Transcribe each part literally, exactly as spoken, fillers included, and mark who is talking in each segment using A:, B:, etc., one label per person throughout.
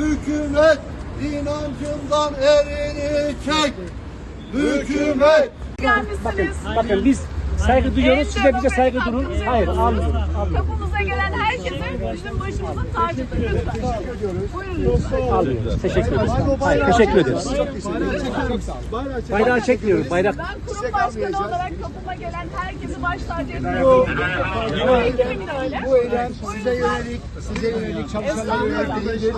A: Hükümet inancından elini çek. Hükümet.
B: Gelmişsiniz.
C: Bakın biz saygı duyuyoruz, siz de bize saygı durun. Hayır, almıyoruz.
B: Kapımıza gelen herkese bizim başımızın tacıdır lütfen. Buyurun lütfen.
C: Almıyoruz. Teşekkür ederiz. Hayır, teşekkür ederiz. Bayrağı çekmiyoruz. Bayrak.
B: Ben kurum başkanı olarak kapıma gelen herkesi baş tacı ediyorum. Bu ekibim de öyle.
A: Bu eylem size yönelik, size yönelik çalışanlara yönelik değildir.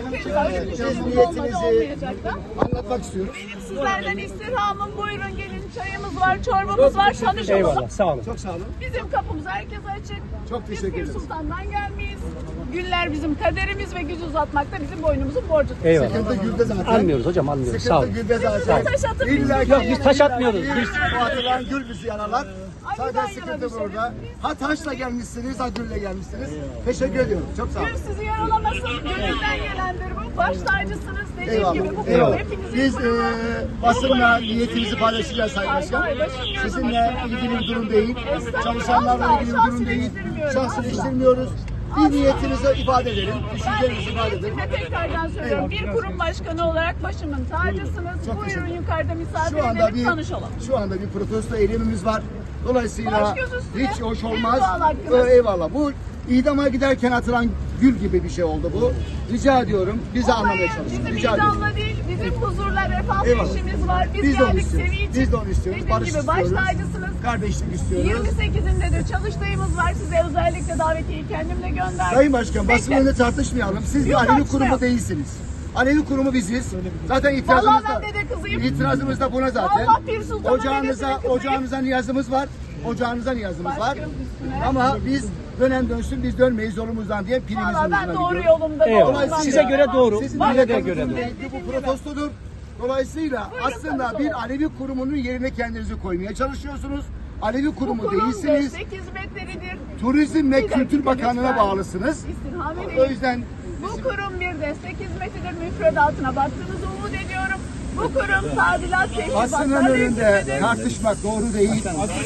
A: Siz niyetinizi anlatmak istiyorum.
B: Benim sizlerden istirhamım, buyurun gelin, çayımız var, çorbamız var, tanışalım.
C: Eyvallah, sağ olun.
A: Çok sağ olun.
B: Bizim kapımız herkese açık.
A: Çok teşekkür
B: Biz Pir
A: ederiz.
B: Sultan'dan gelmeyiz. Güller bizim kaderimiz ve güç uzatmak da bizim boynumuzun borcudur.
C: Eyvallah.
A: Sıkıntı gülde zaten.
C: Almıyoruz hocam, almıyoruz. Sağ olun.
A: Sıkıntı gülde
B: Siz
A: zaten.
B: taş atın.
A: İlla
B: biz
C: Yok, biz taş atmıyoruz. Biz
A: Bu atılan gül bizi yaralar.
B: Ay,
A: Sadece
B: ben
A: sıkıntı
B: yaramışım.
A: burada. Ha taşla gelmişsiniz, ha gülle gelmişsiniz. Teşekkür ediyorum. Çok sağ olun.
B: Gül sizi yaralamasın. Gönülden gelendir bu. Baş tacısınız. Dediğim
A: Eyvallah.
B: gibi bu
A: Eyvallah.
B: kurum hepinizin
A: Biz
B: kurumu.
A: e, basınla niyetimizi paylaşacağız Sayın Başkan.
B: Hayır, hayır, başım
A: Sizinle
B: yanında.
A: ilgili bir durum değil.
B: Estağfurullah.
A: Çalışanlarla ilgili bir durum
B: Şahsını
A: değil.
B: eleştirmiyorum.
A: Şahsını
B: Asla.
A: eleştirmiyoruz. Bir niyetinizi ifade edelim.
B: Ben
A: Düşüncelerinizi ifade edelim.
B: niyetime tekrardan söylüyorum. Bir kurum başkanı olarak başımın tacısınız.
A: Çok
B: Buyurun
A: teşekkür
B: yukarıda misafir
A: Şu anda
B: edelim,
A: bir
B: tanışalım.
A: şu anda bir protesto eylemimiz var. Dolayısıyla
B: Baş göz üstüne.
A: hiç hoş
B: En
A: olmaz.
B: doğal hakkınız.
A: Ee, eyvallah. Bu idama giderken atılan gül gibi bir şey oldu bu. Rica ediyorum. Bizi anlamaya
B: Olayı
A: çalışın.
B: bizim
A: Rica ediyorum.
B: idamla değil, bizim huzurla refahla
A: Eyvallah.
B: işimiz var. Biz,
A: Biz de onu
B: geldik
A: istiyoruz.
B: seviye için.
A: Biz de onu istiyoruz.
B: Dediğim
A: Barış
B: gibi baş
A: istiyoruz.
B: tacısınız.
A: Kardeşlik istiyoruz.
B: yirmi sekizinde de çalıştayımız var. Size özellikle davetiyeyi kendimle gönderdim.
A: Sayın Başkan basın
B: Bekle.
A: önünde tartışmayalım. Siz bir
B: Yok,
A: Alevi
B: tartışma
A: kurumu
B: yok.
A: değilsiniz. Alevi kurumu biziz. Zaten
B: Vallahi
A: itirazımız da,
B: ben dede kızıyım.
A: itirazımız da buna zaten.
B: Vallahi Pir Sultan'ın
A: Ocağınıza,
B: dedesinin kızıyım.
A: ocağınıza niyazımız var. Ocağınıza niyazımız var.
B: Başkanım üstüne.
A: Ama biz dönem dönsün biz dönmeyiz yolumuzdan diye pilimizin
B: Valla ben
A: ucuna
B: doğru
A: gidiyoruz.
B: yolumda.
C: Eyvallah.
B: doğru
C: Size
B: yolda.
C: göre doğru.
A: Sizin
C: Bana
A: bize
C: da
A: göre
C: göre doğru.
A: bu protestodur. Dolayısıyla
B: Buyurun,
A: aslında
B: protesto.
A: bir Alevi kurumunun yerine kendinizi koymaya çalışıyorsunuz. Alevi
B: Bu
A: kurumu
B: kurum
A: değilsiniz.
B: destek hizmetleridir.
A: Turizm ve
B: Bir
A: Kültür
B: dakika
A: Bakanlığı'na
B: lütfen.
A: bağlısınız.
B: İstirham
A: O
B: edeyim.
A: yüzden
B: Bu kurum bir destek hizmetidir. Müfredatına baktığınızı umut ediyorum. Bu kurum tadilat
A: basının
B: teşkilatları
A: önünde
B: hizmetidir.
A: tartışmak doğru değil.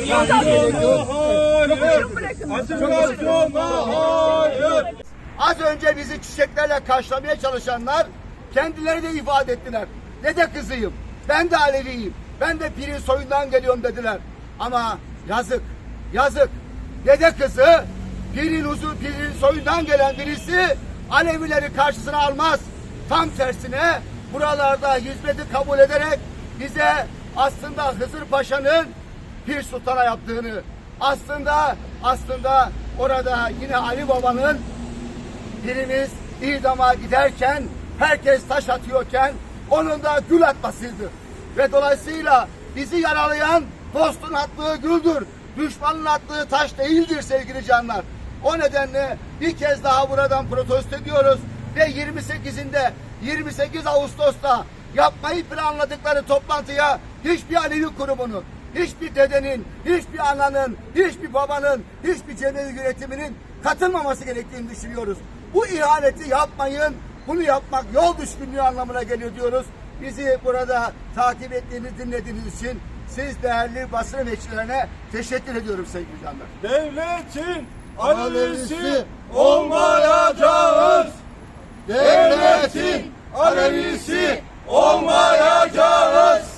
B: Buyurun bırakın.
A: Az önce bizi çiçeklerle karşılamaya çalışanlar kendileri de ifade ettiler. Dede kızıyım, ben de Aleviyim, ben de pirin soyundan geliyorum dediler. Ama yazık, yazık. Dede kızı pirin uzun pirin soyundan gelen birisi Alevileri karşısına almaz. Tam tersine buralarda hizmeti kabul ederek bize aslında Hızır Paşa'nın Pir Sultan'a yaptığını, aslında aslında orada yine Ali Baba'nın birimiz idama giderken herkes taş atıyorken onun da gül atmasıydı. Ve dolayısıyla bizi yaralayan dostun attığı güldür. Düşmanın attığı taş değildir sevgili canlar. O nedenle bir kez daha buradan protesto ediyoruz ve yirmi sekizinde yirmi sekiz Ağustos'ta yapmayı planladıkları toplantıya hiçbir Alevi kurumunun, hiçbir dedenin, hiçbir ananın, hiçbir babanın, hiçbir cemevi yönetiminin katılmaması gerektiğini düşünüyoruz. Bu ihaneti yapmayın, bunu yapmak yol düşkünlüğü anlamına geliyor diyoruz. Bizi burada takip ettiğiniz, dinlediğiniz için siz değerli basın emekçilerine teşekkür ediyorum sevgili canlar.
D: Devletin Alevisi olmayacağız. Devletin Alevisi olmayacağız.